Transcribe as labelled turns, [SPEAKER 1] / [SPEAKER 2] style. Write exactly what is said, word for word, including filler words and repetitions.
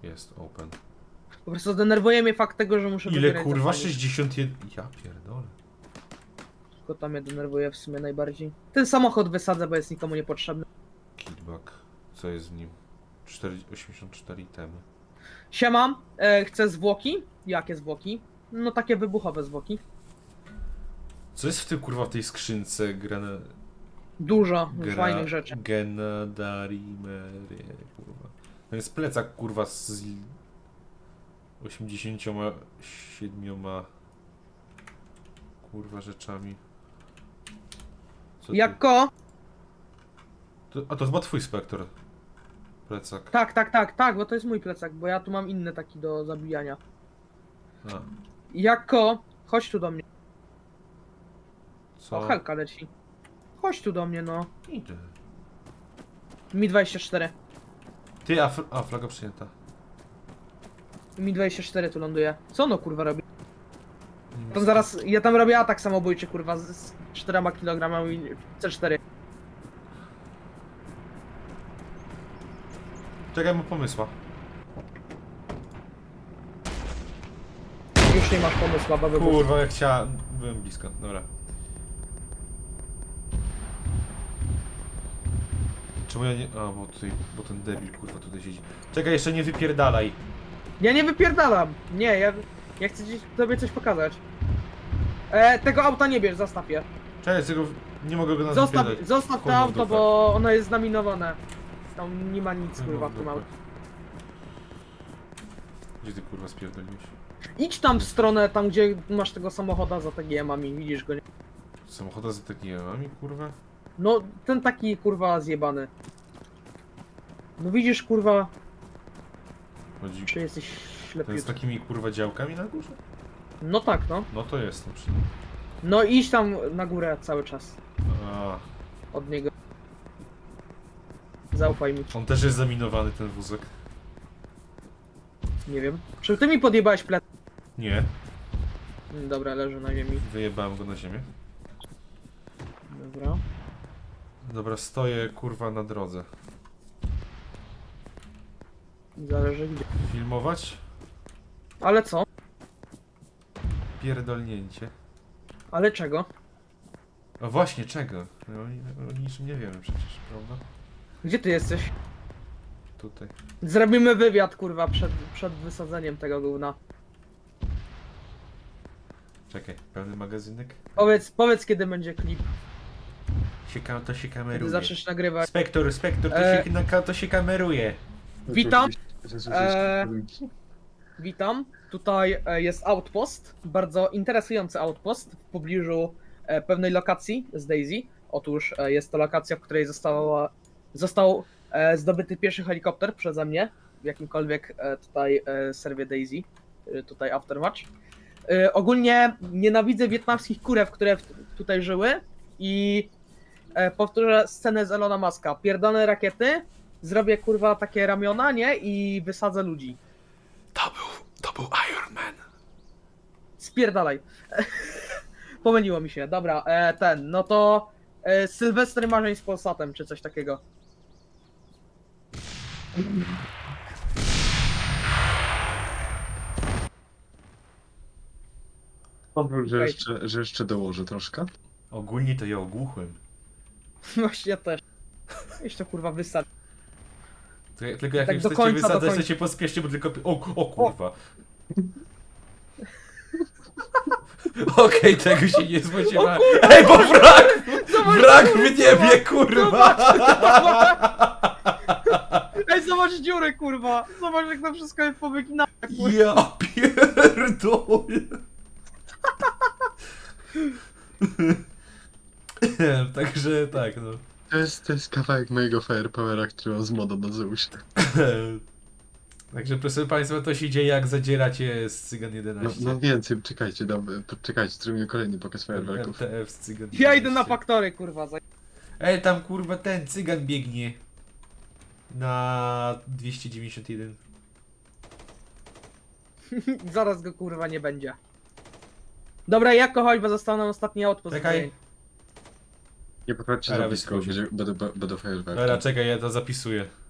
[SPEAKER 1] Jest open.
[SPEAKER 2] Po prostu denerwuje mnie fakt tego, że muszę
[SPEAKER 1] Ile
[SPEAKER 2] wybierać
[SPEAKER 1] kurwa?
[SPEAKER 2] zapalnik.
[SPEAKER 1] sześćdziesiąt jeden. Ja pierdolę.
[SPEAKER 2] Tylko to mnie denerwuje w sumie najbardziej. Ten samochód wysadzę, bo jest nikomu niepotrzebny.
[SPEAKER 1] Killback. Co jest w nim? cztery, osiemdziesiąt cztery itemy.
[SPEAKER 2] Siema, e, chcę zwłoki? Jakie zwłoki? No takie wybuchowe zwłoki.
[SPEAKER 1] Co jest w tym kurwa w tej skrzynce? Grana...
[SPEAKER 2] Dużo
[SPEAKER 1] Gra...
[SPEAKER 2] fajnych rzeczy.
[SPEAKER 1] Genadarimerie, kurwa. To jest plecak kurwa z osiemdziesięcioma siedmioma kurwa rzeczami. Co tu?
[SPEAKER 2] Jako?
[SPEAKER 1] To, a to chyba twój spektor. Plecak.
[SPEAKER 2] Tak, tak, tak, tak, bo to jest mój plecak, bo ja tu mam inny taki do zabijania.
[SPEAKER 1] A,
[SPEAKER 2] Jako? Chodź tu do mnie.
[SPEAKER 1] co?
[SPEAKER 2] O, Helka leci. Chodź tu do mnie, no.
[SPEAKER 1] Idę.
[SPEAKER 2] Mi dwadzieścia cztery.
[SPEAKER 1] Ty, a, fl a flaga przyjęta.
[SPEAKER 2] Mi dwadzieścia cztery tu ląduje. Co ono kurwa robi?
[SPEAKER 1] Nie
[SPEAKER 2] Tam
[SPEAKER 1] wiem,
[SPEAKER 2] zaraz, ja tam robię atak samobójczy kurwa z, z czterema kilogramami C cztery.
[SPEAKER 1] Czekaj, mam pomysła.
[SPEAKER 2] Już nie masz pomysłu, baby.
[SPEAKER 1] Kurwa, jak chciałem. Byłem blisko, dobra. Czemu ja nie. A, bo tutaj. Bo ten debil kurwa tutaj siedzi. Czekaj, jeszcze nie wypierdalaj.
[SPEAKER 2] Ja nie wypierdalam. Nie, ja, ja chcę ci tobie coś pokazać. E, tego auta nie bierz, zostaw je.
[SPEAKER 1] Czekaj, tego. Nie mogę go na
[SPEAKER 2] Zostaw, zostaw
[SPEAKER 1] Chuj
[SPEAKER 2] to
[SPEAKER 1] mu w
[SPEAKER 2] auto,
[SPEAKER 1] dupę.
[SPEAKER 2] bo ono jest zaminowane. Tam nie ma nic
[SPEAKER 1] Chuj mu
[SPEAKER 2] kurwa
[SPEAKER 1] w
[SPEAKER 2] w tym
[SPEAKER 1] dupę.
[SPEAKER 2] aucie.
[SPEAKER 1] Gdzie ty kurwa spierdoliłeś?
[SPEAKER 2] Idź tam w stronę, tam gdzie masz tego samochoda za T G M-ami, widzisz go nie?
[SPEAKER 1] Samochoda z takimi mamami, kurwa?
[SPEAKER 2] No, ten taki kurwa zjebany. No widzisz kurwa,
[SPEAKER 1] Chodzi.
[SPEAKER 2] czy jesteś
[SPEAKER 1] Ten z
[SPEAKER 2] ślepiutki.
[SPEAKER 1] takimi kurwa działkami na górze?
[SPEAKER 2] No tak, no.
[SPEAKER 1] No to jestem przy nim.
[SPEAKER 2] No idź tam na górę cały czas.
[SPEAKER 1] A,
[SPEAKER 2] Od niego. Zaufaj mi.
[SPEAKER 1] on też jest zaminowany ten wózek.
[SPEAKER 2] Nie wiem. Czy ty mi podjebałeś plec?
[SPEAKER 1] Nie,
[SPEAKER 2] Mm, Dobra, leży na ziemi.
[SPEAKER 1] wyjebałem go na ziemię.
[SPEAKER 2] Dobra.
[SPEAKER 1] Dobra, stoję kurwa na drodze.
[SPEAKER 2] Zależy gdzie.
[SPEAKER 1] Filmować?
[SPEAKER 2] Ale co?
[SPEAKER 1] Pierdolnięcie.
[SPEAKER 2] Ale czego?
[SPEAKER 1] A właśnie, czego? No, o, o niczym nie wiemy przecież, prawda?
[SPEAKER 2] Gdzie ty jesteś?
[SPEAKER 1] Tutaj.
[SPEAKER 2] Zrobimy wywiad kurwa przed, przed wysadzeniem tego gówna.
[SPEAKER 1] Czekaj, pełny magazynek?
[SPEAKER 2] Powiedz, powiedz kiedy będzie klip.
[SPEAKER 1] Się ka to się
[SPEAKER 2] Kiedy
[SPEAKER 1] kameruje.
[SPEAKER 2] zaczniesz nagrywać.
[SPEAKER 1] Spektor, spektor, to,
[SPEAKER 2] E,
[SPEAKER 1] się, na, to się kameruje.
[SPEAKER 2] Witam.
[SPEAKER 3] Eee...
[SPEAKER 2] Eee, Witam. Tutaj e, jest outpost. Bardzo interesujący outpost w pobliżu e, pewnej lokacji z Daisy. Otóż e, jest to lokacja, w której została, został e, zdobyty pierwszy helikopter przeze mnie w jakimkolwiek e, tutaj e, serwie Daisy. E, tutaj Aftermatch. E, ogólnie nienawidzę wietnamskich kurew, które w, tutaj żyły i e, powtórzę scenę z Elona Muska. Pierdolone rakiety, zrobię kurwa takie ramiona, nie? I wysadzę ludzi.
[SPEAKER 1] To był, to był Iron Man.
[SPEAKER 2] Spierdalaj. Pomyliło mi się, dobra, e, ten, no to e, Sylwester Marzeń z Polsatem, czy coś takiego.
[SPEAKER 3] Powiem, że
[SPEAKER 2] Okej.
[SPEAKER 3] jeszcze, że jeszcze dołożę troszkę.
[SPEAKER 1] Ogólnie to ja ogłuchłem.
[SPEAKER 2] Właśnie ja też. Jeszcze kurwa wysad.
[SPEAKER 1] Tylko, tylko jak
[SPEAKER 2] Tak
[SPEAKER 1] już
[SPEAKER 2] do
[SPEAKER 1] chcecie
[SPEAKER 2] końca, do
[SPEAKER 1] wysadzać, to
[SPEAKER 2] końca.
[SPEAKER 1] się pospieszcie, bo tylko... O, o kurwa. Okej, tego się nie spodziewałem. Ej, bo wrak!
[SPEAKER 2] Zobacz,
[SPEAKER 1] Wrak
[SPEAKER 2] dziury,
[SPEAKER 1] w niebie, kurwa!
[SPEAKER 2] Ej, zobacz dziury, kurwa! Zobacz jak to wszystko jest powyginało.
[SPEAKER 1] Ja pierdolę. Także tak, no.
[SPEAKER 3] To jest, to jest kawałek mojego Firepowera, który mam z modą na Zeusie.
[SPEAKER 1] Także proszę Państwa, to się dzieje jak zadzieracie z Cygan
[SPEAKER 3] No,
[SPEAKER 1] jedenaście.
[SPEAKER 3] no więcej, czekajcie, dam, czekajcie, zrobimy kolejny pokaz fajerwerków.
[SPEAKER 1] R T F z Cygan
[SPEAKER 2] Ja idę na
[SPEAKER 1] jedenaście.
[SPEAKER 2] faktory, kurwa. za-
[SPEAKER 1] Ej, tam kurwa ten Cygan biegnie. Na dwieście dziewięćdziesiąt jeden.
[SPEAKER 2] Zaraz go kurwa nie będzie. Dobra, jako chodź, bo został nam ostatni outpost.
[SPEAKER 1] Czekaj.
[SPEAKER 3] Nie podchodźcie
[SPEAKER 1] Dobra,
[SPEAKER 3] za blisko,
[SPEAKER 1] wyskocz.
[SPEAKER 3] będzie, będą, będą fajerwerki.
[SPEAKER 1] Dobra, czekaj, ja to zapisuję.